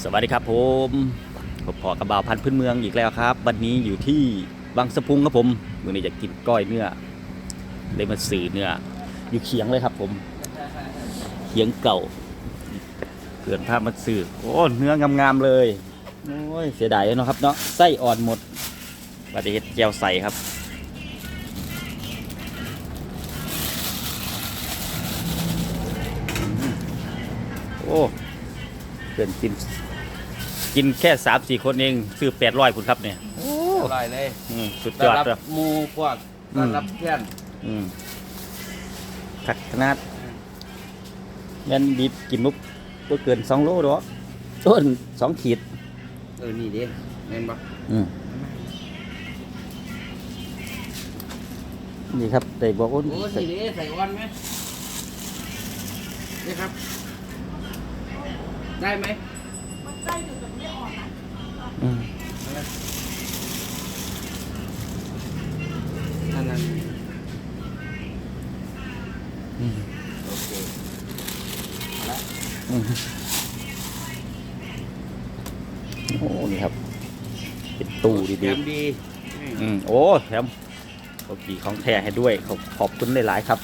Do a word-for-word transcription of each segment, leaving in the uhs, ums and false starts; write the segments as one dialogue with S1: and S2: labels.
S1: สวัสดีครับผมผมพอกระบ่าวพันธุ์พื้นเมืองอีกแล้วครับวันนี้อยู่ที่บางสะพุงครับผมมื้อนี้จะกินก้อยเนื้อเลยมาสื่อเนื้ออยู่เคียงเลยครับผมเคียงเก่าเกินภาพมาสื่อโอ้เนื้องามๆเลยโอ้ยเสียดายเนาะครับเนาะไส้อ่อนหมดปฏิเฮ็ดแก้วใส่ครับโอ้เกินกินกินแค่สามสี่คนเองซื้อแปดร้อยคุณครับเนี่ย
S2: อร่อยเลย
S1: สุดยอดครับ
S2: หมูพวกต้อนรับเพื่อน
S1: ขัดขนาดยันดีกินมุกก็เกินสองโลหรอต้นสองขีด
S2: เออนี่ดิเห็นปะ
S1: นี่ครับได้บอกว่า
S2: โอ้สีดิใส่อ้อนไหมนี่ครับได้ไหมมันได้อยู่แต่ไม่อ่อนนะอันนั้นโอเคแล้ว
S1: โอ้นี่ครับเป็นตู้ดี
S2: ๆดี
S1: อืมโอ้แถมโอเคของแท้ให้ด้วยขอบขอบคุณหลายๆครับ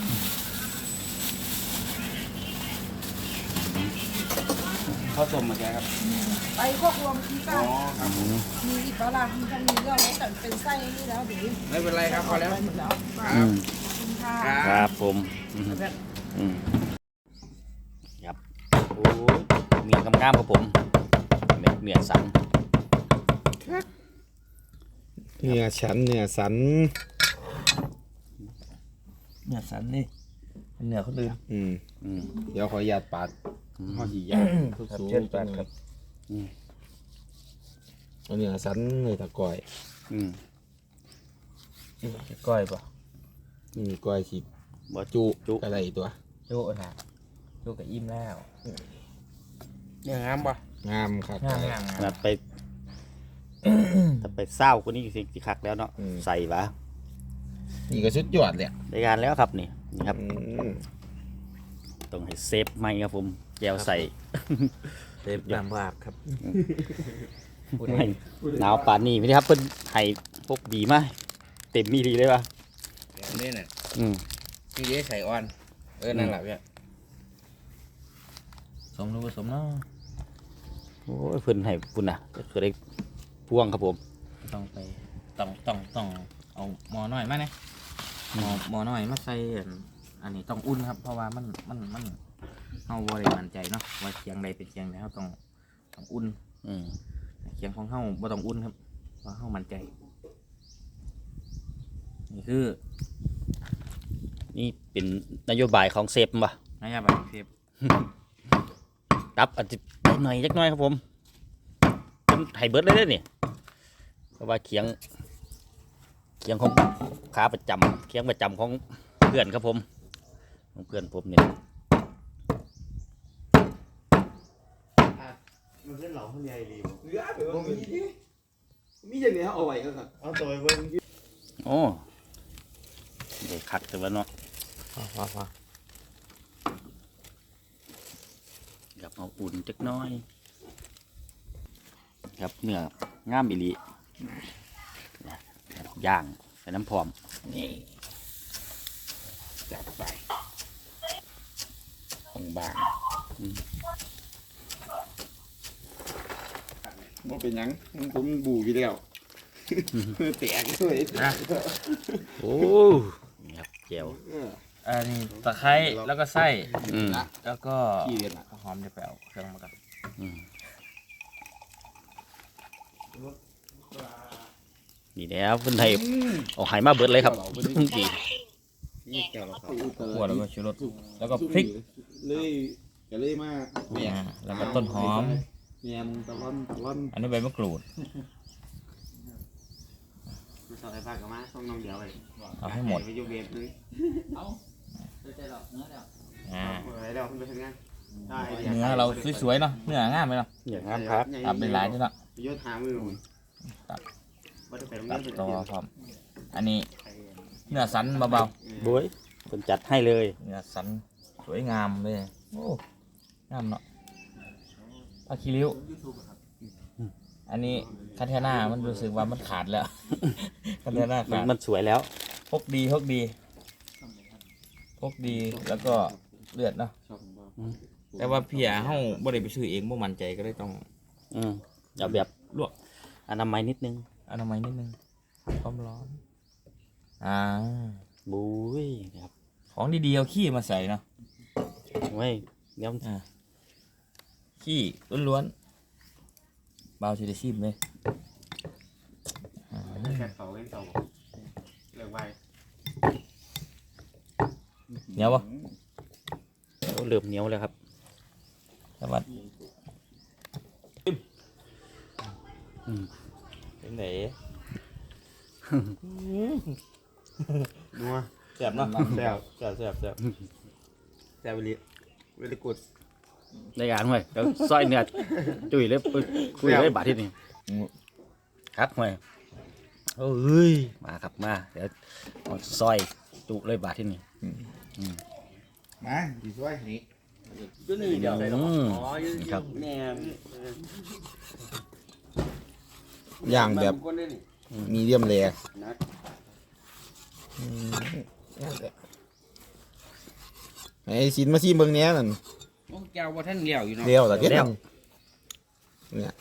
S2: ข้าวต้มมาแกครับ
S3: ไปพวกรวมที่ป้ามีอีกแล้วล่ะมีทั้งนี้ก็ไม่แต่เป็นไส้นี่แล้วเดี๋ยว
S2: ไม่เป็นไรครับพอแล้ว
S3: หมดแล้ว
S1: ครับผมครับโอ้เมียงามๆครับผมเม็ดเมียสัน
S4: เนื้อฉันเนื้อสัน
S2: เนื้อสันนี่เนื้อเขาลืม
S4: อืมอืมเดี๋ยวขอหยาดปาดข้อสี่ยาทุกสูงปาดครับอันเนื้อสันเลยตะก้อย
S1: อืม
S2: ก้อยป่ะ
S4: นี่ก้อยสิบ่จุจุอะไรตัว
S2: จุนะจุกับอิ่มแล้วเนี่ยงามป่ะ
S4: งามครับ
S2: งามงาม
S1: งามไปถ้าไปเศร้าคนนี้สิสิคักแล้วเนาะใส่ปะ
S4: นี่ก็สุดยอดเลย
S1: ได้งานแล้วครับนี่นี่ครับต้องให้เซฟไหมครับผมแก้วใส่
S2: เซฟน้ำวาบครับ
S1: หนาวป่านนี้ไม่ได้ครับเพิ่นให้พวกดีมากเต็มมีดีเลยปะ
S2: นี่น่ะ
S1: อืม
S2: นี่เดี๋ยวใส่อ่อนเออนั่นแหละพี่สมรู้ผสมเนาะ
S1: โอ้ยเพิ่นให้ปุ่นน่ะก็คือได้พ่วงครับผม
S2: ต้องไปต้องต้องต้องเอาหม้อน้อยมาเนี่ยหม้อหม้อน้อยมาใส่อันนี้ต้องอุ่นครับเพราะว่ามันมันมันเอาบริมันใจเนาะว่าเคียงใดเป็นเคียงใดเขาต้องต้องอุ่นเคียงของเขาบ่ต้องอุ่นครับเพราะเขามันใจนี่คือ
S1: นี่เป็นนโยบายของเซฟป่ะ
S2: นโยบายเซฟ
S1: ครับอาจจะหน่อยจักหน่อยครับผมเป็นไฮเบิร์ดเลยเนี่ยเพราะว่าเคียงเคียงของขาประจำเคียงประจำของเพื่อนครับผมของเพื่อนผมเนี่ย
S4: มันเป็นเหล่าคนใหญ่ดีเหลือไปว่ามีดิมีอย่างนี้เอาไว้ก็ครับเอาตัวไว้เบิ่ง
S1: โอ้เด็กขัดแต่ว่าเนาะ
S4: ว้าว
S1: อยากเอาอุ่นจักน้อยครับเนื้องามอิลีย่างใส่น้ำพร้อมนี่
S4: จัดไปองบางมันเป็นยังผมบูอยู่แล้วแตกเลย
S1: นะโอ้ยครับเจียว
S2: อันนี้ตะไคร้แล้วก็ไส้แล้วก็หอมจะไปเอาเครื่องมากัน
S1: นี่แล้วเพิ่นให้เอาไหมาเบิดเลยครับดี
S2: ขั่วแล้วก็ชูรสแล้วก็พริก
S4: เลยจะเลยมา
S2: แล้วก็ต้นหอม
S4: เมียนตะล่อนตะล่อน
S2: อันนี้ใบมะกรูด
S4: ใส่ผักกับมาต้องน้องเดียวเลย
S2: เอาให้หมด
S4: ไปยูเบฟเลย
S2: เอาใจหรอกเนื้อเดียวอ่าเ
S4: ดี๋ยวไปทำงาน
S2: เนื้อเราสวยๆเนาะเนื้องามไหมเนาะ
S1: อย่างงามครับ
S2: ตับเป็นหลายด้วยเนาะ
S4: ยศหามือ
S2: ตับตับตัวพร้อมอันนี้เนื้อสันเบา
S1: ๆบุ้ยคนจัดให้เลย
S2: เนื้อสันสวยงามเลยโอ้งามเนาะอะคริลิวอันนี้คันเทน่ามันรู้สึกว่ามันขาดแล้ว คันเทน่า
S1: มัน
S2: ขาด
S1: มันสวยแล้ว
S2: พกดีพกดีพกดีแล้วก็เลือดเนาะแต่ว่าพี่อาเฮาบ่ได้ไปซื้อเองบ่มั่นใจก็เลยต้อง
S1: อืมเอาแบบ
S2: ลวก
S1: อนามัยนิดนึง
S2: อนามัยนิดนึงความร้อนอ่า
S1: บุ้ยนะครับ
S2: ของดีๆเอาขี้มาใส่เนาะ
S1: เว้ยเดี๋ยว
S2: อ่าขี้ล้วนๆเบาสิได้ชิมเลยอ่า
S4: แค่เขาเล่นเขาเรื่องไว้
S2: เหนียวปะ
S1: โอ้เริ่มเหนียวแล้วครับ
S2: สวัสดี
S1: อืม
S2: เป็นไหน
S4: นัว
S2: แซ่บเนาะ
S4: แซ่บ
S2: แซ่บแซ่บแซ่บแซ่บไปเลย
S4: เวลิกุด
S1: ได้การห่วยเดี๋ยวซอยเนื้อจุ๋ยเลยปุ๊บคุยเลยบาทที่นี่ครับห่วยโอ้ยมาครับมาเดี๋ยวเอาซอยจุเลยบาทที่นี่
S4: มาดีช่วยนี่
S1: ก็นี่เดี๋ยวใส่ลงครับ
S4: แม่
S5: ย่างแบบมีเดียมแรร์ไอ้ชิ้นมาซีเบิ่งเนี้ยนั่น
S2: แก้วว่าท่านเลี้ยวอยู่เนาะ
S5: เดียวแต่เดียวเนี่ย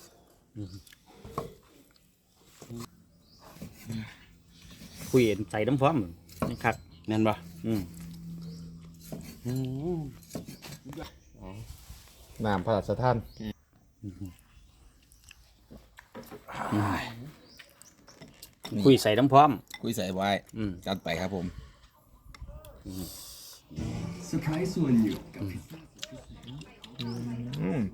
S1: คุยใส่น้ำพร้อมนี่ครับ
S2: แม่นบ่
S1: อืม
S5: น้ำพระราชทาน
S1: คุยใส่น้ำพร้อม
S5: คุยใส่ไว้
S1: อืม
S5: จัดไปครับผม
S6: เซอร์ไพรส์ส่วนอยู่กับ
S5: อืม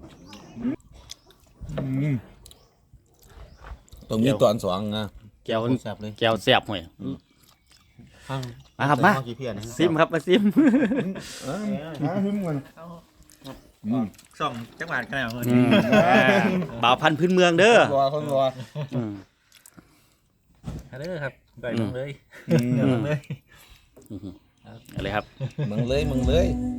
S5: อืมตรงนี้ตอนสองนะ
S1: แก้ว
S2: แซ่บเลย
S1: แก้วแซ่บห่วยมาครับมา
S5: กี่เพียรนะ
S1: ซิมครับมาซิม
S5: เออหาหึมกัน
S2: ส่องจังหวัดกันแล้ว
S1: อืมบ่าวพันธุ์พื้นเมืองเด้อ
S5: รอคนรอ
S1: อืม
S2: เด้อครับไปลงเลย
S5: อืม
S2: เดี๋ยวลงเลย
S1: อะไรครับ
S5: มึงเลยมึงเลย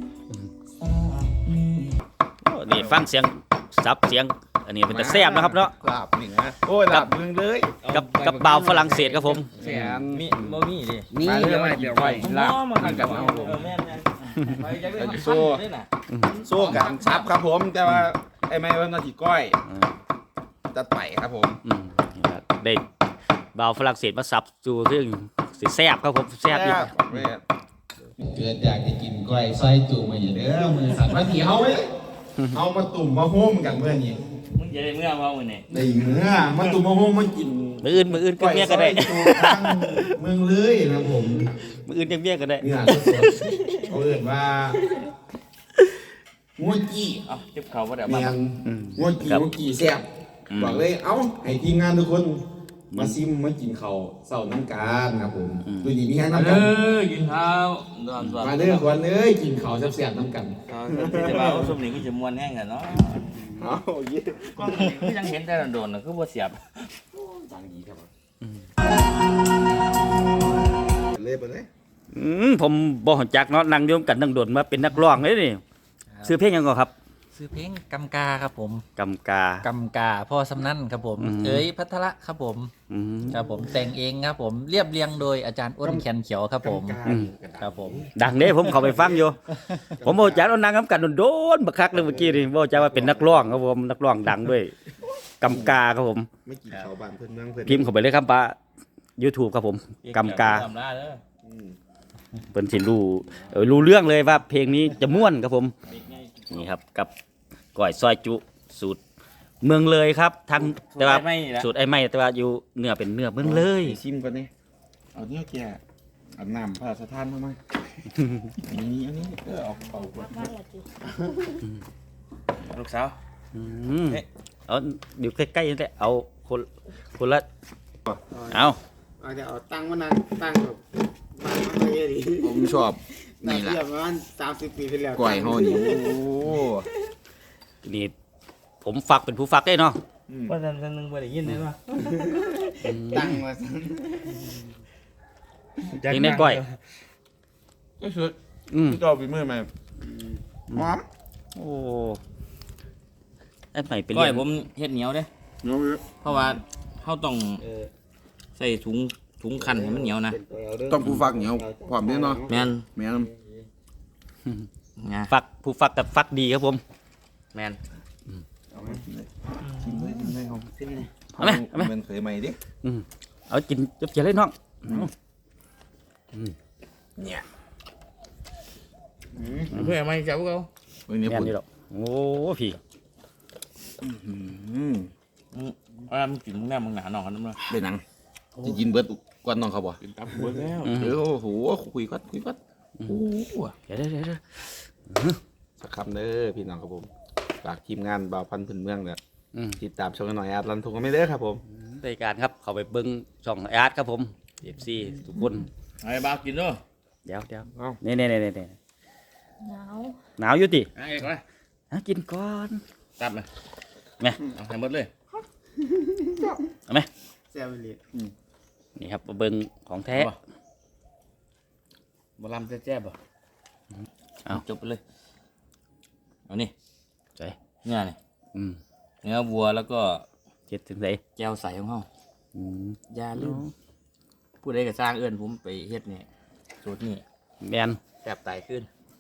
S1: โอ้นี่ฟังเสียงซับเสียง อันนี้เป็นแต่แซ่บนะครับเนาะ
S5: ลาบหนึ่งนะโอ้ยลาบมึงเลย
S1: กับกับบ่าวฝรั่งเศสครับผม
S5: แสน
S2: มีบ่มีดิ
S5: นี่เดี๋ยวเดี๋ยวไว้ลาบ
S2: มันกับ
S5: เอาผม
S2: แม่นๆไปจังเลย
S5: โซ่ สู้กันซับครับผม แต่ว่าไอ้ไม้ว่านาทีก้อยจัดไปครับผม
S1: อืมนี่ครับได้บ่าวฝรั่งเศสมาซับจูซึ่งสิแซ่บครับผมแซ่บอีก
S5: เกิดอยากจะกินก้อยซอยจุ่มมาอย่าเด้อมือสั่นมาถีเอาไว้เอามาตุ่มมาโฮมกันเมื่อนี้
S2: มึงจะได้เมื่อว่ามื้อนี้
S5: ได้เนื้อมาตุ่มมาโฮมมากิน
S1: มืออื่นมืออื่นก็
S5: ก้อย
S1: เมีย
S5: ซ
S1: ก็
S5: อ
S1: ได้
S5: ยจุ่มทางเมืองเลยนะผม
S1: มืออื่นยังเมียก็ได้
S5: เนื้อสดๆเขาเอ่ยว่างัวจี้
S2: เอ้าจิบเขาบ่ได้
S5: เมี
S2: มาย
S5: งงัวจี้งัวจี้แซ่บบอกเลยเอ้าให้ทีมงานทุกคนมาซิมมากินข้าวเสาร์น้ำการครับผมดูดีมีแห้งน้ำ
S2: เอ
S5: กัน
S2: อกินข้าวดอนดอน
S5: มาเด้อคนเอ้ยกินข้าวแซ่บๆน้ำกัน
S2: จะว่าสมนี้ก็จะม่วนแห้งกันเนาะ
S5: เอาเยี่ย
S2: ก็คือยังเห็นแต่โดนๆน่ะคือบ่เสียบ
S5: เลยไปเลย
S1: อืมผมบ่ฮู้จักเนาะนั่งอยู่กันนั่งโดนมาเป็นนักร้องเลยนี่ซื้อเพลงหยังก่อนครับ
S7: ซื้อเพลงกำกาครับผม
S1: กำกา
S7: กำกาพ่อสำนั่นครับผม
S1: อืม
S7: เอ๋ยพัทระครับผม
S1: อืม
S7: ครับผมแต่งเองครับผมเรียบเรียงโดยอาจารย์อ้นแคนเขียวครับผม
S1: อืม
S7: ครับผม
S1: ดังเด้ผมเข้าไปฟังอยู่ ผมบ่รู้จักเอานางนํกันโดนๆบักคักเลยเมื่อกี้นี่บ่รู้จักว่าเป็นนักร้องครับผมนักร้องดังด้วยกำกาครับผม
S5: ไม่กินข้าวบ้านเพื่อนเมืองเพื่อน
S1: พิมพ์เข้าไปเลยครับป้า YouTube ครับผมกำกา
S2: กำลาเด้อ
S1: เพิ่นสิรู้เออรู้เรื่องเลยว่าเพลงนี้จะม่วนครับผม นี่ครับกับก้อยซอยจุสูตรเมืองเลยครับทางแต่ว่า
S2: ไม่ละ
S1: สูตรไอ้ไม่แต่ว่าอยู่เนื้อเป็นเนื้อเมืองเลย
S5: ชิมก่อนนี่เอาเนี้ยแกเอาน้ำพระราชทานมาไหมอันนี้อันนี้เออเอาเป่าก่อน
S2: ลูกสาว
S1: อืมเอาอยู่ใกล้ๆนี่แหละเอาคนคนละเอา
S4: เอาจะเอาตั้งมานั่งตั้งแบบตั้งมาเยอะดิ
S5: ผมชอบ
S4: น่า
S5: นี่แหละ
S4: เทียบประมาณสามสิบปีที่แล้ว
S5: ก้อยห่อนี่โอ้
S1: นี่ผมฝักเป็นผู้ฝักได้เนาะ
S2: ว่าซั่นๆนึงบ่ได้ยินเลยว่า
S4: ตั้งมา
S1: เพลงในก้อย
S5: ก็คือ
S1: อืม
S5: พี่ก็เอาไปมือมาหอม
S1: โอ้ไอ้ใหม่เป็น
S2: ก้อย
S1: เลี้ยง
S2: ผมเฮ็ดเหนียวเด้
S4: เนาะ
S2: เพราะว่าเขาต้องใส่ถุงถุงคันให้มันเหนียวนะ
S5: ต้องผู้ฟักเหนียวพร้อมเด้อเนาะ
S2: แม่น
S5: แม่น
S2: นะ
S1: ฟักผู้ฟักกับฟักดีครับผม
S2: แม่น
S5: ชิมเลยชิมเลยเอา
S1: เอาไหมเอาไหม
S5: มันเคยใหม่ดิ
S1: อืมเอากินจับเจียเลยน้อง
S5: เนี่ย
S2: เพื่อไม่จับเขา
S5: เบิ่งนี่
S1: แม่น
S5: พุ่น
S1: นี่หรอกโอ้พี่
S5: อืม
S2: เอามึงกินมึงแน่มึงหนาหนองกันน้ำเลย
S5: ได้หนังจะกินเบิดกวนน้องเขาบ่
S2: กินตับหัวแล้ว
S5: เดี๋ยวโอ้โหคุยกัดคุยกัดโอ้โห
S1: เดี๋ยวเดี๋ยวเดี๋ยวเดี๋ยว
S5: สักคำเด้อพี่น้องครับผมฝากทีมงานบ่าวพันธุ์พื้นเมืองเนี่ย
S1: อืม
S5: ติดตามช่องกันหน่อยอาร์ตรันทุกคนไม่เด้อครับผม
S1: รายการครับเข้าไปเบิ้งช่องอาร์ตครับผมเอฟซีทุกคน
S2: ไอ้บ้ากินด้วย
S1: เดี๋ยวเดี๋ยว
S5: เอ้า
S1: นี่นี่นี่นี่
S3: หนาว
S1: หนาวอยู่ติ
S2: ไอ้ก็
S1: อ่ะกินก่อน
S2: ตับเลย
S1: แม่
S2: เอาให้หมดเลย
S1: เอาไหม
S4: แซ่บเลย
S1: นี่ครับมาเบิ้งของแท้
S2: บะลำแจ๊บๆป่ะ
S1: เอา
S2: จบไปเลยเอานี่
S1: ใส่
S2: เนื้อนี่
S1: อืม
S2: เนื้อวัวแล้วก็
S1: เจ็ดถึงใส่
S2: แก้วใสของเขา
S1: อืม
S2: อยาลืมผู้ใดก็สร้างเอื้อนผมไปเฮ็ดนี่สูตรนี่
S1: แมน
S2: แซ่บตายขึ้น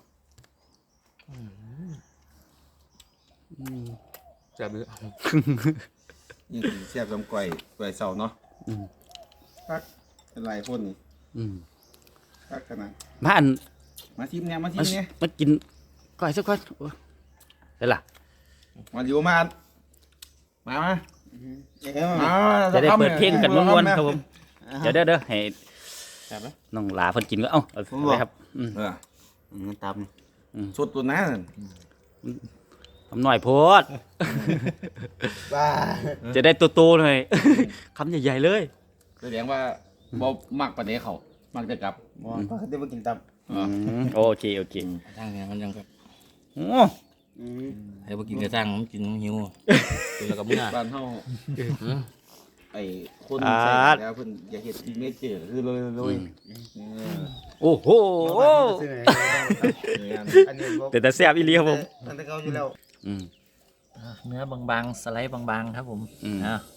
S2: แซ่บเลย
S5: นี่คือแซ่บลำก่อยก่อยเสาเนาะ
S1: อืม
S5: พักเป็นไรพ่นนี่
S1: อืม
S5: พักกันนะ
S1: มาอัน
S5: มาทีมเนี่ยมาที
S1: มาม
S5: เนี่ย
S1: มากินก่อยสักคนโอ้ได้ละ
S5: มาอยู่มามามามา
S1: จะได้เปิดเพลงกันม้วนๆครับผมเดี๋ยวเด้อเด้อให้
S2: แซ่บไหม
S1: น้องหลาเพิ่นกินก็เอ้าเอาเลยครับอืม
S5: เออ
S4: ตาม
S5: สุดตัวนั้น
S1: ทำหน่อยโพด
S4: บ้า
S1: จะได้โตๆหน่อย คำใหญ่ๆเลย
S5: แสดงว่าบ่มักปานนี้เขามักจะกลับ
S4: บ่เขาจะมากินตับ
S1: อืมโอเคโอเค
S2: ทางนี้มันยังแบบ
S1: โอ้
S4: อืม
S2: ให้พวกกินกระซังมันกินหิวกินแล้วก็เมื่อ
S5: บ้านเฮา
S2: อืม
S5: ไอ้คนใส่แล้วเพิ่นอยากเฮ็ดที่เมเจอร์คือเลยเลย
S1: โอ้โห
S4: ซื้อไหนอันนี้บ่
S1: แต่แต่แซ่บอีหลีครับผม
S4: อันนี้เขาอยู่แล้ว
S1: อืม
S7: เนื้อบางๆ สไลด์บางๆ ครับผม
S1: อืม
S7: อ่ะ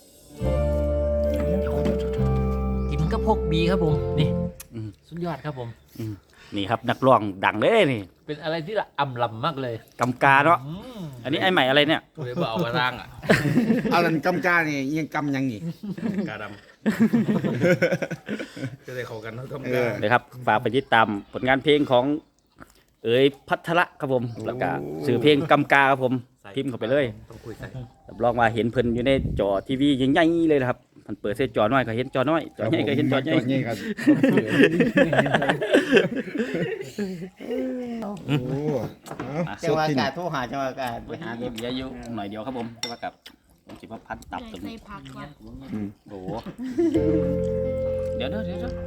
S7: กินก็พกบีครับผม นี่
S1: อืม
S7: สุดยอดครับผม
S1: อืมนี่ครับนักร้องดังเลยนี่
S7: เป็นอะไรที่ละอ่ำลำมากเลย
S1: กำกาเนาะ
S7: อืม
S1: อันนี้ไอ้ใหม่อะไรเนี่ย
S2: ผู้ใดบ่เอากระซังอ่ะ
S5: เอาลันกำกานี่ยังกำยังอีก
S2: กาดำจะได้เข้ากันเท่ากัน
S5: เออ
S1: เลยครับฝากไปติดตามผลงานเพลงของ เอ๋ยพัทระครับผมแล้วก็สื่อเพลงกำกาครับผมพิมพ์เข้าไปเลย
S2: ต้องคุยใส่
S1: รับรองว่าเห็นเพิ่นอยู่ในจอทีวีใหญ่ๆเลยนะครับมันเปิดเส้นจอน้อยก็เห็นจอน้อยจอใหญ่ก็เห็นจอใหญ่
S5: ใหญ่ครับโอ้
S1: อ่ะ
S4: จังหวะอากาศโทรหาจังหวะอากาศไปหา
S1: เดี๋ยวอยู่หน่อยเดียวครับผมแต่ว่ากับผมสิว่าพันตับตรงนี้
S3: พักก่อน
S1: โอ้โหเดี๋ยวเดี๋ยวเดี๋ยวเดี๋ยว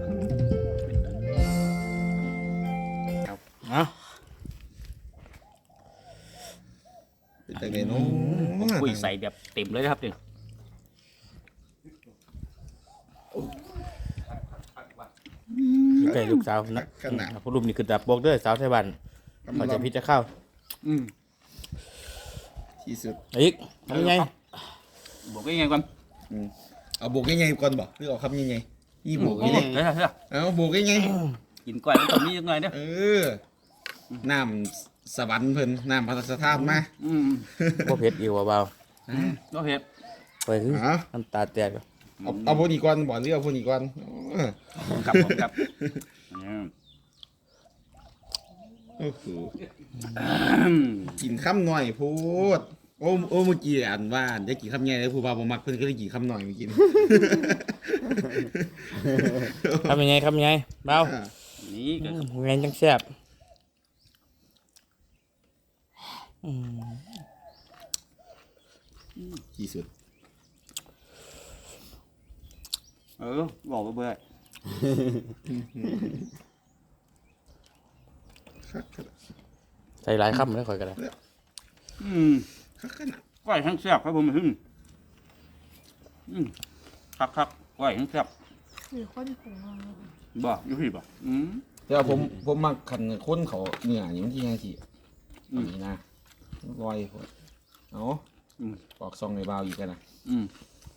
S2: เอา
S5: เป็นจังได๋เนาะ
S1: ผมคุยใส่แบบเต็มเลยนะครับเนี่ย
S2: ใกล้ลูกสาวนะ
S5: ขนาด
S2: ผู้รูปนี่คือดับบอกเด้อสาวไทยบ้านเขาจะพิจารเข้า
S1: อืม
S5: ที่สุด
S2: อีกทำยังไง
S1: บอกยังไงก่อน
S5: เอาโบกใหญ่ๆก่อนบ่หรือเอาคำใหญ่ๆนี่โบก
S1: เฮ้
S5: นี่
S1: ย
S5: เลย
S1: เฮ้ยเฮ้ย
S5: เอาโบกใหญ่
S1: กินก้อยมันต้องมียังไงเนี่ย
S5: ๆเออน้ำสวรรค์เพิ่นน้ำพระราชทานมา
S1: อืม
S2: บ่เผ็ดอีกว่าเบา
S1: ก็เผ็ด
S2: ไปคือ
S5: เอา
S2: น้ำตาแตกอยู่
S5: เอาเอาพวกนี้ก่อนบ่หรือเอาพวกนี้ก่อนเออ
S1: ครับผมครับอืม
S5: โอ้โหกินคำหน่อยพูดโอ้โอ้เมื่อกี้อ่านว่าได้กินคำใหญ่แล้วผู้บ่าวบ่มักเพิ่นก็เลยกินคำหน่อยเมื่อกี้
S2: ทำยังไงทำยังไงเบา
S1: นี่ก็
S2: ไงจังแซ่บ
S5: ที่สุด
S1: เออบอกว่าเบื่อ
S2: ใส่หลายคำเลยคอยกันเลย
S1: อืม
S5: คักขนาด
S1: ก้อยทั้งแซ่บครับผมอืมอืมคักคักก้อยทั้งแซ่บ
S3: หรือคนผง
S1: บ่อยู่พี่บ่อืม
S5: แต่ว่าผมผมมักคันคนเขาเนื้อนี่มันที่ยังสิอันนี้นะลอยโพดเอาออกซองในบาวอีกกันนะ
S1: อืม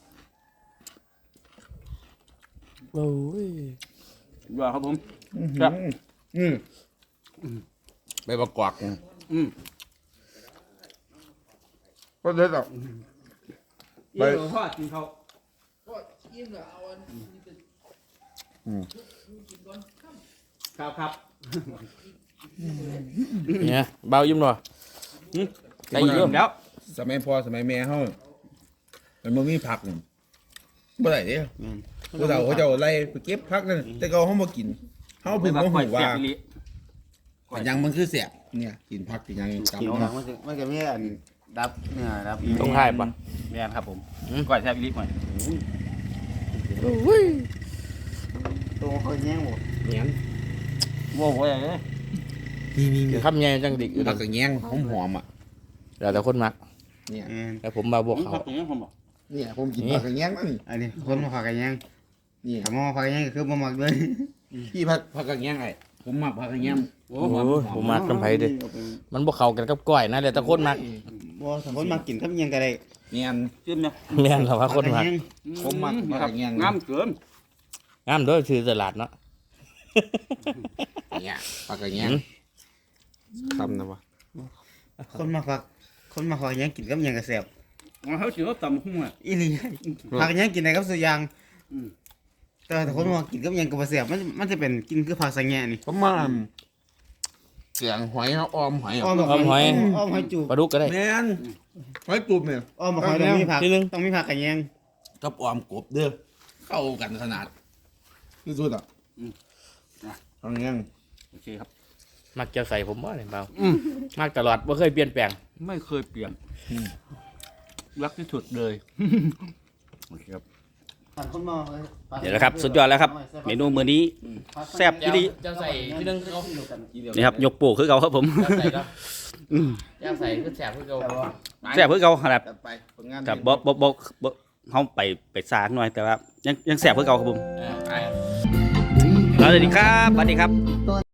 S7: โอ้ย
S1: ยอดครับผม
S5: ครับอืมใบประกอบ
S1: อืม
S5: ก็เลยแบบ
S1: ไปพ่อกินเขา ครับครับ
S2: เนี่ยเบายิ้มหน่อย
S1: ได้ยินแล้ว
S5: สมัยพ่อสมัยแม่เขามันบ่มีผักนี่บ่ได้เด้ผู้เฒ่าเขาเจะไล่ไปเก็บผักนั่นแต่เขาเขาบ่กินเขาเพิ่งมาหูว่าอันยังมันคือแสบเนี่ยกินผักกินหยังกำ
S4: กิน
S5: เนาะ
S4: ของมันจะมันจะมีอันดับเนื้อดับ
S2: ต้องให้ปะ
S1: แม่นครับผมก่อยแซ่บอีหลีหน่อย
S4: ตัวเขาแย่งหมด
S5: เนี่ย
S1: โว้โหอะไรเนี่ย
S2: คือคำใหญ่จังดิ
S5: ผักกระแยงหอมๆอ่ะ
S2: แล้วแต่คนมัก
S5: เนี่ย
S2: แต่ผมมาบวก
S1: ผม
S2: เขา
S1: พักตรงนี้ผมบอก
S5: เนี่ยผมกินผักกระแยงนั่น
S4: อันนี้คนมาขอกันยัง
S5: นี่
S4: ถ้ามาขอกันยังก็คือบ่มักเลย
S5: พี่ผักผักกระแยงไอ้ผมมักผักกระแยง
S2: โอ้โหผมมักน้ำไผ่ดิมันบวกเขากันกับก้อยนะแล้วแต่คนมัก
S4: บ่ถ้าคนมากินกับยังก็ได้
S5: เนี่ย
S1: จิ้มเนี่ย
S2: แม่นเราว่าคนมัก
S5: ผมมักผักกระแยง
S1: งามเกิน
S2: งามด้วยคือตลาดเนาะ
S5: เนี่ยผักกระแยงคำนะวะ
S4: คนมาขอคนมาขอกันยังกินกับยังก็แซ่บ
S1: เขาถือว่าตำหุ้งอ่ะ
S4: อีหลีผักกันยังกินได้กับสุอย่าง
S1: อืม
S4: แต่ถ้าคนมากินกับยังก็บ่แซ่บมันมันจะเป็นกินคือผักสังแงนี่
S5: ผมมาเสียงหอยเขาออมหอย
S4: อ้อม
S2: อ้อมหอย
S4: อ้อมหอยจูบ
S2: ปลาดุกก็ได้
S5: แม่นหอยกลุ่มเนี่ย
S4: อ้อมหอยต้องมีผัก
S2: ทีนึง
S4: ต้องมีผักกันยัง
S5: กับออมกบเด้อเข้ากันขนาดที่สุดอ่ะผักกระแยง
S1: โอเคครับ
S2: มักจะใส่ผมบ่เนี่ยเบา
S1: อืม
S2: มักตลอดไม่เคยเปลี่ยนแปลง
S1: ไม่เคยเปลี่ยนรักที่สุดเลยโอเคครับ
S4: ผักคนมา
S1: เดี๋ยวนะครับสุดยอดแล้วครับ เมนูมื้อนี้แซ่บอีหลี
S2: จะใส่ที่นึงเขา
S1: นี่ครับยกโป้คือเขาครับผม
S2: จะใส่เนาะ
S1: อืม
S2: จะใส่คือแสบคือเขา
S1: แซ่บคือเขาขนาด
S5: จัดไปผลงาน
S1: กับบ่บ่บ่บ่เขาไปไปซากหน่อยแต่ว่ายังยังแซ่บคือเขาครับผม
S2: เออไป
S1: สวัสดีครับสวัสดีครับ